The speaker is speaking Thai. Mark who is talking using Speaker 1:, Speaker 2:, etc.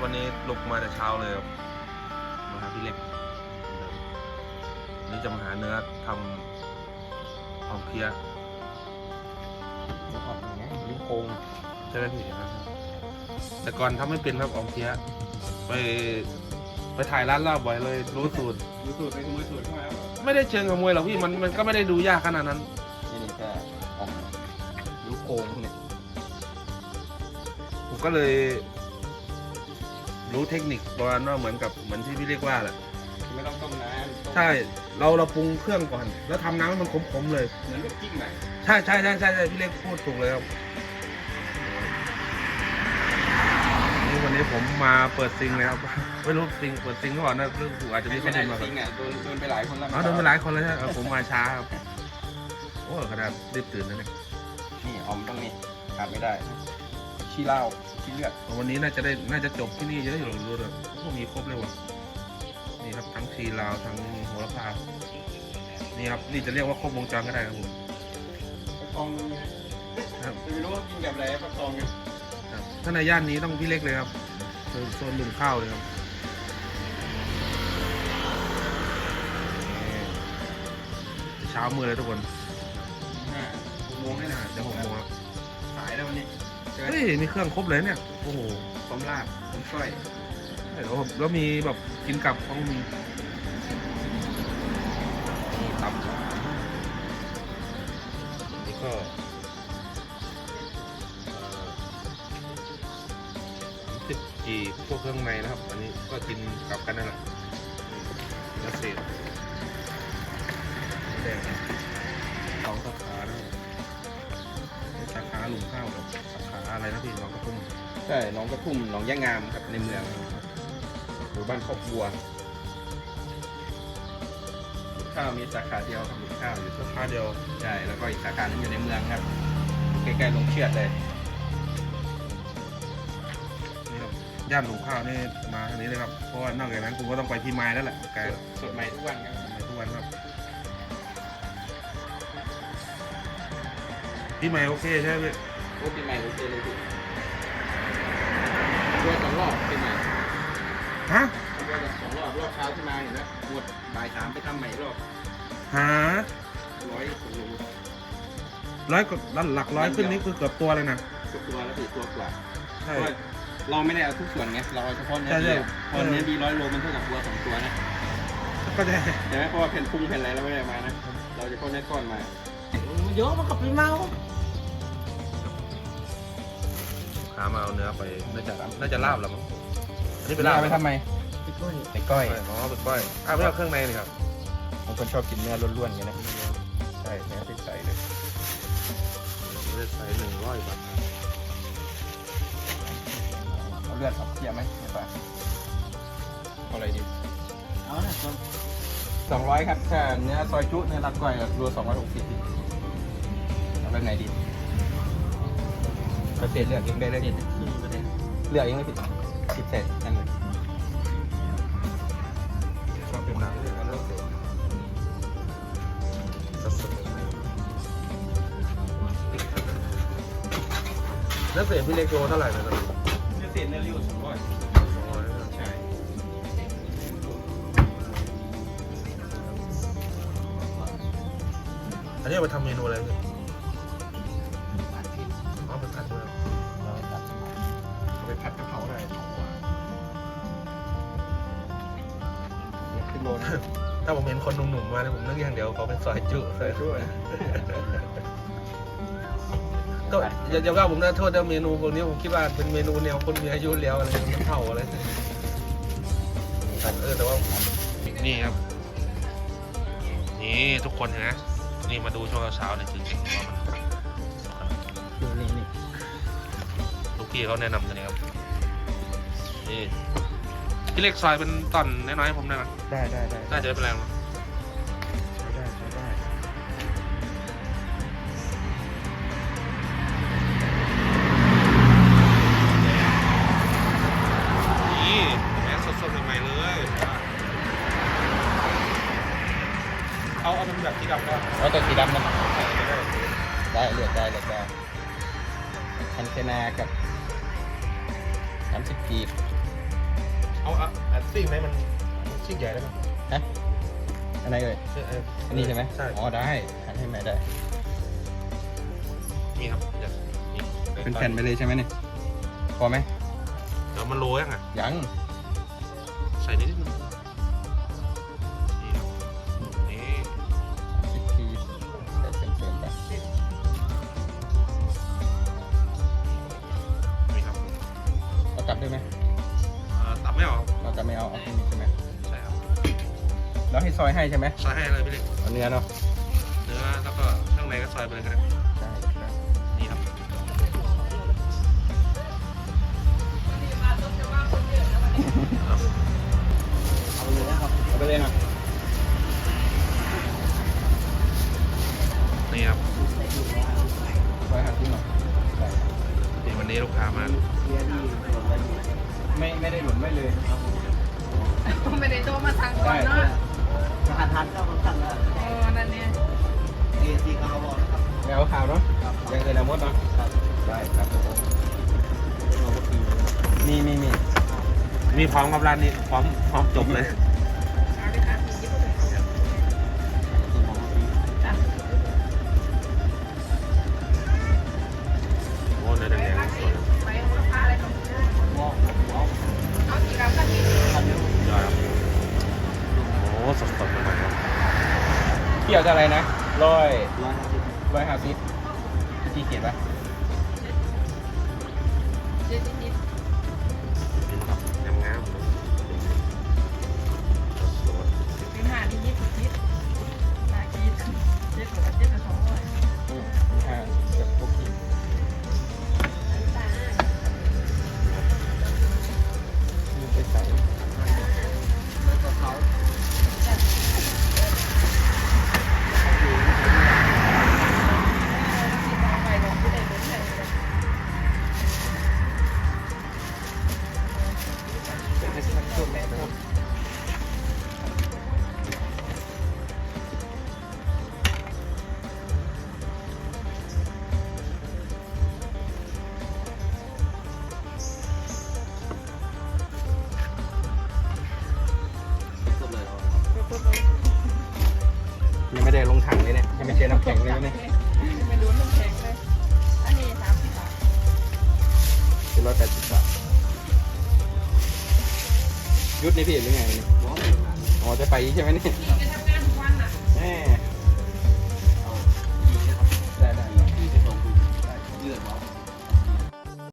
Speaker 1: วันนี้ลุกมาแต่เช้าเลยครับมาหาพี่เล็กนี่จะมาหาเนื้อทำของเพี้ย
Speaker 2: ออกอย่างเงี้ยลิ้นโค้ง
Speaker 1: ใช่ไหมพี่แต่ก่อนทำไม่เป็นครับออกเพี้ยไปถ่ายร้านลาบบ่อยเลยรู้สูตร
Speaker 2: ดูสูตรไปขโมยสูตรเข้ามาแล้ว
Speaker 1: ไม่ได้เชิงขโมยหรอกพี่มันก็ไม่ได้ดูยากขนาดนั้น
Speaker 2: นี่ก็ออกลิ้นโค้งเนี่ย
Speaker 1: ผมก็เลยรู้เทคนิคประมาณว่าเหมือนที่พี่เรียกว่าแหละ
Speaker 2: ไม่ต้องต้มนาน
Speaker 1: ใช่เราปรุงเครื่องก่อน แล้วทำน้ำให้มันขมๆเลย
Speaker 2: เหมือนลูกจิ้มใหม่
Speaker 1: ใช่พี่เล็กพูดถูกเลยครับนี่วันนี้ผมมาเปิดซิงเลยครับไม่รู้ซิงเปิดซิงก่อนนะเรื่องถูกอาจจะมี
Speaker 2: ไม่
Speaker 1: คน
Speaker 2: ได้
Speaker 1: เดินมา
Speaker 2: จริงอ่ะโดนไปหลายคนแล้ว
Speaker 1: โดนไปหลายคนแล้วใช่ไหมผมมาช้าครับโอ้ขนาดรีบตื่นนะเนี่ย
Speaker 2: นี่ออมต้องนี่ขาดไม่ได้ขี้เหล้าขี้เลือด
Speaker 1: วันนี้น่าจะจบที่นี่จะได้หลงรู้เลยพวกมีครบเลยว่ะนี่ครับทั้งชีลาวทั้งโหระพานี่ครับนี่จะเรียกว่าครบวงจรก็ได้ครับผม
Speaker 2: ประคองครับไม่รู้ว่ากินกับอะไรประคองไง
Speaker 1: ครับถ้าในย่านนี้ต้องพี่เล็กเลยครับโซนลุงข้าวเลยครับเช้ามือเลยทุกคน
Speaker 2: 6 โมงให้นะ
Speaker 1: เดี๋ยว6 โมงครับ
Speaker 2: สายแล้ววันนี้
Speaker 1: เฮ้ยมีเครื่องครบเลยเนี่ยโอ้โห
Speaker 2: ต้มลาบต้มก้อย
Speaker 1: แล้วมีแบบกินกับของมีนี่ตับนี่ก็30 จีพวกเครื่องในนะครับ อันนี้ก็กินกับกันนั่นแหละเนื้อเศษแดง2 สาขานะสาขาหลุมข้าวกับสาขาอะไรนะพี่น้องกระทุ่ม
Speaker 2: ใช่หนองกระทุ่มหนองย่างงามครับในเมืองหมู่บ้านครอบบัวข้าวมีสาขาเดียวครับข้าวอยู่
Speaker 1: สาขาเดียว
Speaker 2: ใช่แล้วก็อีกสาขาหนึงอยู่ในเมืองครับใกล้ๆลงเชือดเลย
Speaker 1: นี่ครับย่านหลุมข้าวนี่มาทางนี้เลยครับเพราะว่านอกจากนั้นคุณก็ต้องไปที่ไม้แล้วแหละไกลแล้ว
Speaker 2: สดใหม่ทุกวันครับ
Speaker 1: ไปทุกวันครับพี่ใหม่โอเคใช่ไหมพี่
Speaker 2: โอ้ปีใหม่โอเคเลยพี่ด้วย2 รอบปีใหม่
Speaker 1: ฮะ
Speaker 2: ด้วย2 รอบรอบเช้าที่มาเห็นไหมหมดบ่าย 3ไปทำใหม่อีกรอบ
Speaker 1: หา
Speaker 2: 100 กิโล
Speaker 1: ร้อยกว่าหลักร้อยขึ้นนี่คือเกือบตัวเลยนะ
Speaker 2: ตัวแล้วพี่ตัวกว่า
Speaker 1: ใช่
Speaker 2: เพราะว่าเราไม่ได้เอาทุกส่วนไงเราเอาเฉพาะเนื้อ
Speaker 1: ใช่
Speaker 2: ดี
Speaker 1: ใช่
Speaker 2: พอเนื้อดี100 โลมันเท่ากับตัว2 ตัวนะ
Speaker 1: ก็จะ
Speaker 2: ใช่ไหมเพราะว่าแผ่นปรุงแผ่นอะไรเราไม่ได้มานะเราจะเฉพาะเนื้อก้อนมา
Speaker 3: มันเยอะมันกับพี่เมา
Speaker 1: ขามาเอาเนื้อไปน่าจะลาบแล้วมั้งอันนี้เป็นลาบ
Speaker 2: ไปทำไม
Speaker 3: พี่ก้อย
Speaker 2: ไปก้อย
Speaker 1: อ๋อเป็นก้อยไม่เอาเครื่องในเลยครับ
Speaker 2: บางคนชอบกินเนื้อล้วนๆอย่างนี้นะใช่เนื้อใสๆเลย
Speaker 1: เลือดใส่100 บาท
Speaker 2: เอาเลือดครับเทียบไหมไม่ป่ะเอาอะไรดี
Speaker 3: เอาหน่ะคน
Speaker 2: 200ครับถ้าเนื้อซอยจุเนื้อรัดก้อยรวม260เอาแบบไหนดีเกษตรเลือกเองได้เลย
Speaker 3: เด็ดที่ประเด็น
Speaker 2: เลือกเองเลยผิดเศษนั่นเลย
Speaker 1: ชอบเป็นน้ำเลยก็เลือกเลยสดๆแล้วเศษพี่เล็กโลเท่าไหร่นะตอนนี้
Speaker 2: เนื้อเศษเนื้อริ้ว200ใช่
Speaker 1: อันนี้เอาไปทำเมนูอะไรพี่อ๋อเป็นผัดด้วย
Speaker 2: เอาไปผัดกะเพราได้ขึ้นโลนะ
Speaker 1: ถ้าผมเห็นคนหนุ่มๆมาเนี่ยผมนึกอย่างเดียวเขาเป็นซอยจุซอยจุ
Speaker 2: ช่วย
Speaker 1: ก็อย่าว่าผมนะโทษนะเมนูพวกนี้ผมคิดว่าเป็นเมนูแนวคนมีอายุแล้วอะไรน้ำเผาอะไรแต่ว่านี่ครับนี่ทุกคนเห็นไหมนี่มาดูช่วงเช้าเนี่ยจริงๆว่ามัน
Speaker 3: นี่
Speaker 1: ลูกพี่เขาแนะนำตัวนี้ครับนี่พี่เล็กซอยเป็นตอนน้อยๆผมได้ไหม
Speaker 2: ได้ได้ได้
Speaker 1: น่าจะไม่เป็นไรหรอก
Speaker 2: ใช้ได้ใช้ได้
Speaker 1: นี่แม่สดๆใหม่ๆเลยเอาเป็นแบบที่ดำก็
Speaker 2: เอาตัวสีดำนะได้เลือกได้เลือกได้คันเทนากับ30 กีบ
Speaker 1: เอาซีกไหนมันซีกใหญ่ได้ไหม
Speaker 2: ฮะอันไหนเอ่ยอันนี้ใช่ไหม
Speaker 1: ใช่
Speaker 2: อ๋อได้หันให้แม่ได้
Speaker 1: นี่ครับเดี๋ยวนี่
Speaker 2: เป็นแผ่นไปเลยใช่ไหมเนี่ยพอไหม
Speaker 1: เดี๋ยวมันโรยยังอ่ะ
Speaker 2: ยัง
Speaker 1: ใส่นิดนึงนี่ครับนี่
Speaker 2: 10 ทีใส่เต็มๆไป
Speaker 1: นี่ครับ
Speaker 2: เอากลับด้วยไหม
Speaker 1: ตับไม่ออก
Speaker 2: เราจะไม่เอาที่นี่ใช่ไหม
Speaker 1: ใช่ครับ
Speaker 2: แล้วให้ซอยให้ใช่ไหม
Speaker 1: ซอยให้เลยพี่เล็ก
Speaker 2: เอาเนื้อเนาะ
Speaker 1: เนื้อแล้วก็ข้างในก็ซอยไปเลยครับ
Speaker 2: ได้ครับ
Speaker 1: นี่ครับ
Speaker 3: เอาเลยนะครับ
Speaker 2: เอาไปเลยนะ
Speaker 1: นี่ครับ
Speaker 2: ซอยหั่นที่หน่อยได้
Speaker 1: นี่วันนี้ลูกค้ามา
Speaker 3: เรียนดีหล่นไว้ดี
Speaker 2: ไม่ได้หลุดไม่เลย
Speaker 4: ไม่ได้โทรมาสั่งก่อนเนาะ
Speaker 3: รหัสทันก็ต้องตั้งแล้ว
Speaker 4: นั่นเนี่ย
Speaker 3: เรียนที่เขาบอกนะครับ
Speaker 2: ไม่เอาข่าวเนาะยังเกินอาวุธเนาะ
Speaker 3: ครับ
Speaker 2: ได้ครับผม
Speaker 3: เราก็ตี
Speaker 2: มี
Speaker 1: มีพร้อมกับร้านนี้พร้อมจบเลย
Speaker 4: เอาเลยค่ะยิบเลยจ้ะ
Speaker 1: โอ้เนื้อแดงๆสวย
Speaker 4: ไปราคาอะไรของ
Speaker 3: วอกวอก
Speaker 4: เอากี่กรัมกันดี
Speaker 3: ทันเร็วย
Speaker 1: อดครับโอ้สดๆเลยครับ
Speaker 2: เกี่ยวกับอะไรนะ150
Speaker 3: 150
Speaker 2: ที่เขียนปะ
Speaker 4: เจ็ดนิด
Speaker 1: นี่ครับงามๆสวย
Speaker 4: เป็นหานิดนิดนาคีเจ็ดกับเจ็ดกับ200
Speaker 2: กับพวกขีดมีไปใส่
Speaker 3: แล้วก็เขา
Speaker 4: ไปลงที่ไหนเป็นไหน
Speaker 2: เป็นสักชุดนะครับ
Speaker 3: สุดเลยเหรอ
Speaker 2: ยังไม่ได้ลงถังเลยเนี่ยยังไม่เจอน้ำแข็งเลยนะเนี่ย
Speaker 4: ไม่รู้น้ำแข็งเลยอันนี้30 บาท
Speaker 2: เป็น180 บาทยุดนี่พี่หรือไงเนี่ย
Speaker 3: วอก
Speaker 2: อ๋อจะไปใช่ไหมเนี่ย
Speaker 4: พี่ไปทำงานทุกวันน่ะ
Speaker 2: แม่